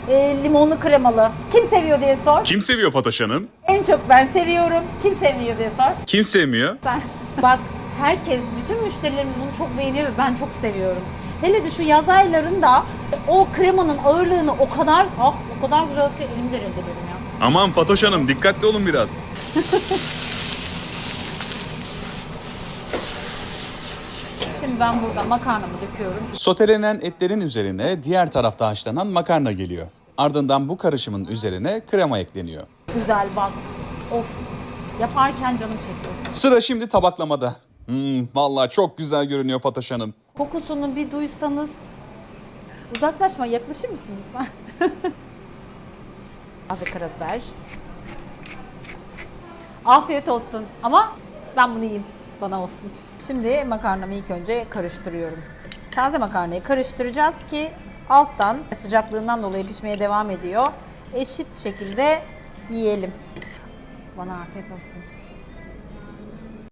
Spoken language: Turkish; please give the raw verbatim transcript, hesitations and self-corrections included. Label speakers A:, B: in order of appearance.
A: e, limonlu kremalı. Kim seviyor diye sor.
B: Kim seviyor Fatoş Hanım?
A: En çok ben seviyorum. Kim sevmiyor diye sor.
B: Kim sevmiyor?
A: Ben. Bak herkes, bütün müşterilerim bunu çok beğeniyor ve ben çok seviyorum. Hele de şu yaz aylarında o kremanın ağırlığını o kadar, ah o kadar güzel ki elimde rezil ederim ya.
B: Aman Fatoş Hanım dikkatli olun biraz.
A: Şimdi ben burada makarnamı döküyorum.
B: Sotelenen etlerin üzerine diğer tarafta haşlanan makarna geliyor. Ardından bu karışımın üzerine krema ekleniyor.
A: Güzel bak. Of. Yaparken canım çekiyor.
B: Sıra şimdi tabaklamada. Hmm, vallahi çok güzel görünüyor Fatoş Hanım.
A: Kokusunu bir duysanız. Uzaklaşma, yaklaşır mısın lütfen? Azı karabiber. Afiyet olsun. Ama ben bunu yiyeyim. Bana olsun. Şimdi makarnamı ilk önce karıştırıyorum. Taze makarnayı karıştıracağız ki alttan sıcaklığından dolayı pişmeye devam ediyor. Eşit şekilde yiyelim. Bana afiyet olsun.